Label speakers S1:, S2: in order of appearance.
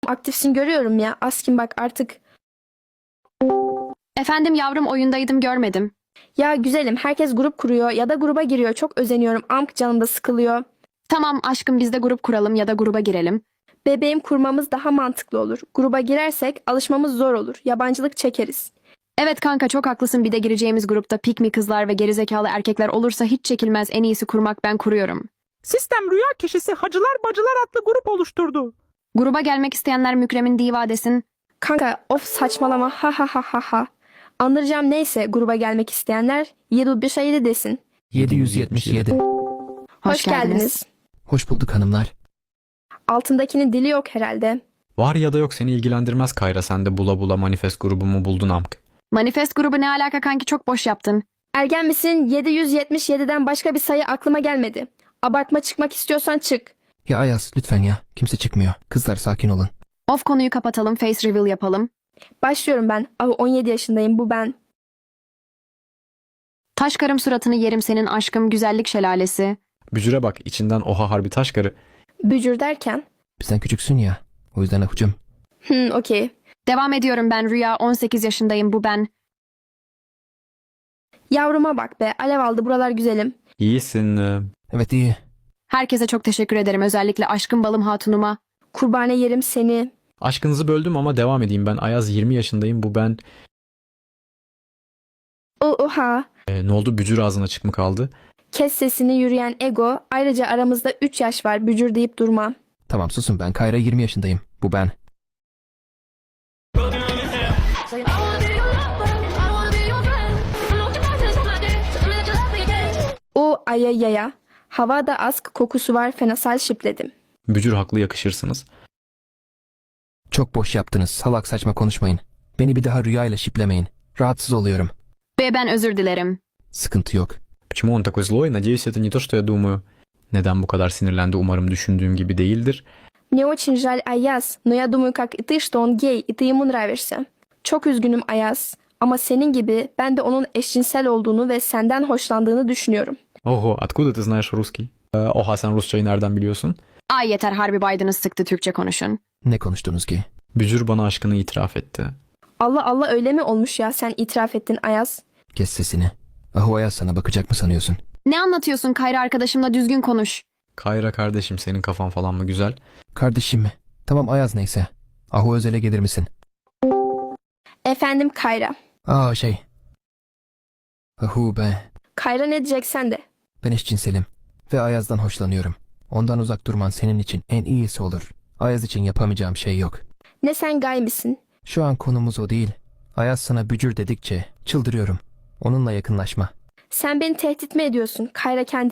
S1: Aktifsin görüyorum ya. Askin bak artık.
S2: Efendim yavrum, oyundaydım, görmedim.
S1: Ya güzelim, herkes grup kuruyor ya da gruba giriyor. Çok özeniyorum. Amk canım da sıkılıyor.
S2: Tamam aşkım, biz de grup kuralım ya da gruba girelim.
S1: Bebeğim, kurmamız daha mantıklı olur. Gruba girersek alışmamız zor olur. Yabancılık çekeriz.
S2: Evet kanka, çok haklısın, bir de gireceğimiz grupta pikmi kızlar ve gerizekalı erkekler olursa hiç çekilmez, en iyisi kurmak, ben kuruyorum.
S3: Sistem rüya kişisi Hacılar Bacılar adlı grup oluşturdu.
S2: Gruba gelmek isteyenler Mükremin diva desin.
S1: Kanka of saçmalama ha ha ha ha ha. Andıracağım neyse, gruba gelmek isteyenler 717 desin.
S4: 777.
S1: Hoş geldiniz.
S4: Hoş bulduk hanımlar.
S1: Altındakinin dili yok herhalde.
S5: Var ya da yok seni ilgilendirmez Kayra, sen de bula bula manifest grubumu buldun amk.
S2: Manifest grubu ne alaka kanki, çok boş yaptın.
S1: Ergen misin? 777'den başka bir sayı aklıma gelmedi. Abartma, çıkmak istiyorsan çık.
S4: Ya Ayaz lütfen ya. Kimse çıkmıyor. Kızlar sakin olun.
S2: Of, konuyu kapatalım, face reveal yapalım.
S1: Başlıyorum ben. 17 yaşındayım, bu ben.
S2: Taş karım, suratını yerim senin aşkım, güzellik şelalesi.
S5: Bücüre bak, içinden oha harbi taş karı.
S1: Bücür derken?
S4: Bizden küçüksün ya. O yüzden ahucum.
S1: Okey.
S2: Devam ediyorum ben, Rüya, 18 yaşındayım, bu ben.
S1: Yavruma bak be, alev aldı buralar güzelim.
S5: İyisin.
S4: Evet iyi.
S2: Herkese çok teşekkür ederim, özellikle aşkım balım hatunuma.
S1: Kurbane yerim seni.
S5: Aşkınızı böldüm ama devam edeyim ben. Ayaz 20 yaşındayım, bu ben.
S1: Oha.
S5: Ne oldu, bücür ağzına çık mı kaldı?
S1: Kes sesini yürüyen ego. Ayrıca aramızda 3 yaş var, bücür deyip durma.
S4: Tamam susun, ben Kayra 20 yaşındayım. Bu ben.
S1: O ayayaya. Havada ask kokusu var, fenasal şipledim.
S5: Bücür haklı, yakışırsınız.
S4: Çok boş yaptınız. Salak saçma konuşmayın. Beni bir daha rüyayla şiplemeyin. Rahatsız oluyorum.
S2: Ve ben özür dilerim.
S4: Sıkıntı yok.
S5: Почему он такой злой? Надеюсь, это не то, что я думаю. Neden bu kadar sinirlendi? Umarım düşündüğüm gibi değildir.
S1: Мне очень жаль, Ayaz. Но я думаю, как и ты, что он гей, и ты ему нравишься. Çok üzgünüm Ayaz. Ama senin gibi ben de onun eşcinsel olduğunu ve senden hoşlandığını düşünüyorum.
S5: Ого, откуда ты знаешь русский? Oha, sen Rusçayı nereden biliyorsun?
S2: Ay yeter, harbi Biden'ı sıktı, Türkçe konuşun.
S4: Ne konuştunuz ki?
S5: Bücür bana aşkını itiraf etti.
S1: Allah Allah, öyle mi olmuş ya, sen itiraf ettin Ayaz?
S4: Kes sesini. Ahu Ayaz sana bakacak mı sanıyorsun?
S2: Ne anlatıyorsun Kayra, arkadaşımla düzgün konuş.
S5: Kayra kardeşim, senin kafan falan mı güzel?
S4: Kardeşim mi? Tamam Ayaz neyse. Ahu Özel'e gelir misin?
S1: Efendim Kayra.
S4: Ahu be.
S1: Kayra ne diyeceksen de.
S4: Ben eşcinselim. Ve Ayaz'dan hoşlanıyorum. Ondan uzak durman senin için en iyisi olur. Ayaz için yapamayacağım şey yok.
S1: Ne sen gay misin?
S4: Şu an konumuz o değil. Ayaz sana bücür dedikçe çıldırıyorum. Onunla yakınlaşma.
S1: Sen beni tehdit mi ediyorsun? Kayra kendi